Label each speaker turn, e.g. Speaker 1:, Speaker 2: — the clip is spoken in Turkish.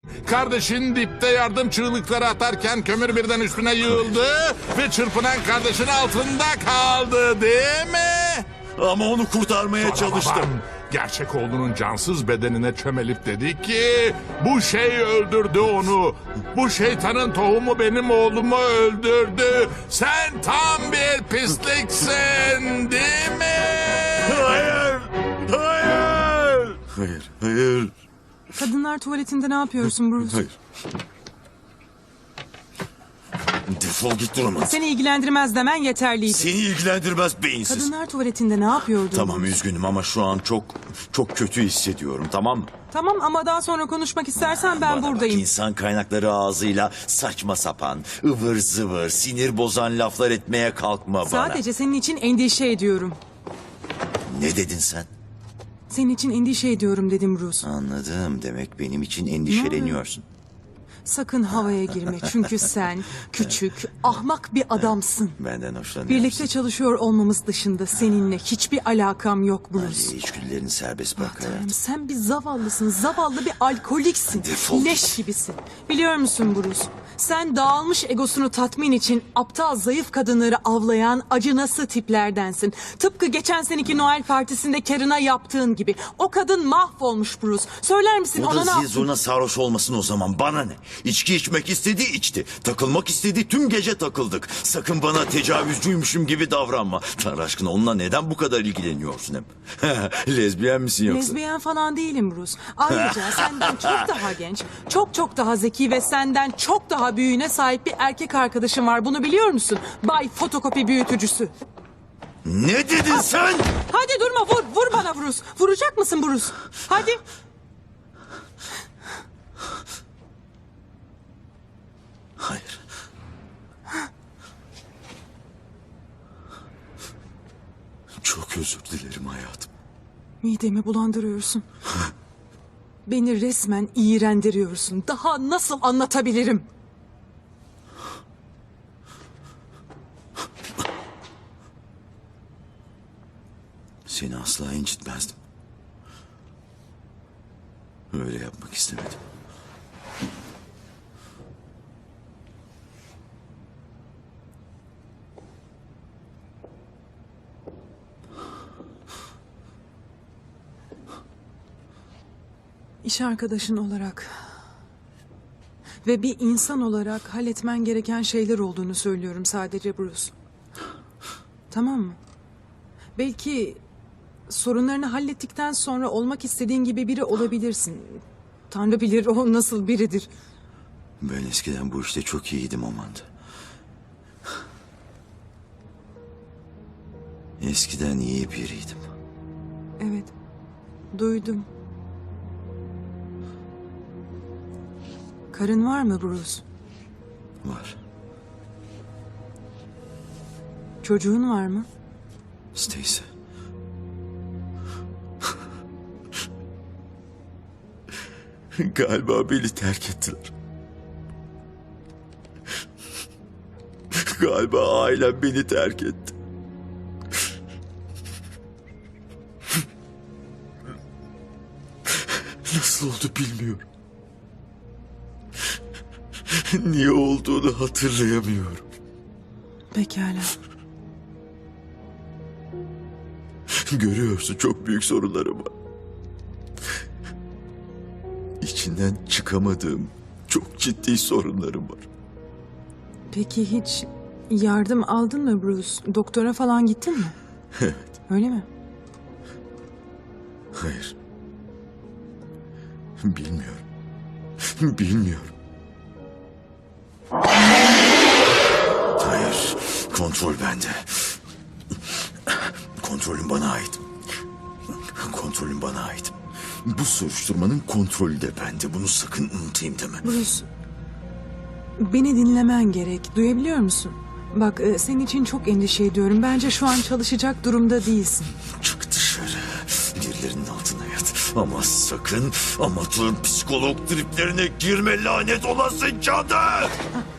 Speaker 1: Kardeşin dipte yardım çığlıkları atarken kömür birden üstüne yığıldı ve çırpınan kardeşin altında kaldı, değil mi?
Speaker 2: Ama onu kurtarmaya çalıştım.
Speaker 1: Babam gerçek oğlunun cansız bedenine çömelip dedi ki bu şey öldürdü onu. Bu şeytanın tohumu benim oğlumu öldürdü. Sen tam bir pisliksin, değil mi?
Speaker 2: Hayır! Hayır! Hayır, hayır,
Speaker 3: Kadınlar tuvaletinde ne yapıyorsun Bruce?
Speaker 2: hayır. Defol git Duruman.
Speaker 3: Seni ilgilendirmez demen yeterliydi.
Speaker 2: Seni ilgilendirmez beyinsiz.
Speaker 3: Kadınlar tuvaletinde ne yapıyordun?
Speaker 2: Tamam üzgünüm ama şu an çok kötü hissediyorum, tamam mı?
Speaker 3: Tamam ama daha sonra konuşmak istersen ben
Speaker 2: Bana
Speaker 3: buradayım.
Speaker 2: Bak, insan kaynakları ağzıyla saçma sapan, ıvır zıvır, sinir bozan laflar etmeye kalkma bana.
Speaker 3: Sadece senin için endişe ediyorum.
Speaker 2: Ne dedin sen?
Speaker 3: Senin için endişe ediyorum dedim Bruce.
Speaker 2: Anladım. Demek benim için endişeleniyorsun.
Speaker 3: Sakın havaya girme çünkü sen küçük, ahmak bir adamsın.
Speaker 2: Benden hoşlanıyorsun.
Speaker 3: Birlikte çalışıyor olmamız dışında seninle hiçbir alakam yok Bruce.
Speaker 2: Hadi içgüdülerini serbest bırak
Speaker 3: Tanrım,
Speaker 2: hayatım.
Speaker 3: sen bir zavallısın, zavallı bir alkoliksin.
Speaker 2: Defol
Speaker 3: Leş
Speaker 2: git.
Speaker 3: gibisin. Biliyor musun Bruce? Sen dağılmış egosunu tatmin için aptal zayıf kadınları avlayan acınası tiplerdensin. Tıpkı geçen seneki Noel partisinde Karen'a yaptığın gibi. O kadın mahvolmuş Bruce. Söyler misin
Speaker 2: O
Speaker 3: ona ne
Speaker 2: da
Speaker 3: yaptın?
Speaker 2: zil sarhoş olmasın o zaman, bana ne? İçki içmek istedi içti. Takılmak istedi tüm gece takıldık. Sakın bana tecavüzcüymüşüm gibi davranma. Tanrı aşkına onunla neden bu kadar ilgileniyorsun hem? Lezbiyen misin yoksa?
Speaker 3: Lezbiyen falan değilim Bruce. Ayrıca senden çok daha genç, çok daha zeki ve senden çok daha büyüğüne sahip bir erkek arkadaşım var. Bunu biliyor musun? Bay fotokopi büyütücüsü.
Speaker 2: Ne dedin sen?
Speaker 3: Hadi durma vur bana Bruce. Vuracak mısın Bruce? Hadi.
Speaker 2: Hayır. Çok özür dilerim hayatım.
Speaker 3: Midemi bulandırıyorsun. Beni resmen iğrendiriyorsun. Daha nasıl anlatabilirim?
Speaker 2: Seni asla incitmezdim. Öyle yapmak istemedim.
Speaker 3: İş arkadaşın olarak ve bir insan olarak halletmen gereken şeyler olduğunu söylüyorum sadece Bruce. Tamam mı? Belki sorunlarını hallettikten sonra olmak istediğin gibi biri olabilirsin. Tanrı bilir o nasıl biridir.
Speaker 2: Ben eskiden bu işte çok iyiydim Amanda. Eskiden iyi biriydim.
Speaker 3: Evet, duydum. Karın var mı Bruce?
Speaker 2: Var.
Speaker 3: Çocuğun var mı?
Speaker 2: Stacy. Galiba beni terk ettiler. Galiba ailem beni terk etti. Nasıl oldu bilmiyorum. Niye olduğunu hatırlayamıyorum.
Speaker 3: Pekala.
Speaker 2: Görüyorsun çok büyük sorunlarım var. İçinden çıkamadığım çok ciddi sorunlarım var.
Speaker 3: Peki hiç yardım aldın mı Bruce? Doktora falan gittin mi?
Speaker 2: Evet.
Speaker 3: Öyle mi?
Speaker 2: Hayır. Bilmiyorum. Bilmiyorum. Hayır. Kontrol bende. Kontrolüm bana ait. Kontrolüm bana ait. Bu soruşturmanın kontrolü de bende. Bunu sakın unutayım deme.
Speaker 3: Bruce, beni dinlemen gerek. Duyabiliyor musun? Bak, senin için çok endişe ediyorum. Bence şu an çalışacak durumda değilsin.
Speaker 2: Çık dışarı. Birilerinin altına yat. Ama sakın amatör psikolog triplerine girme, lanet olası cadı.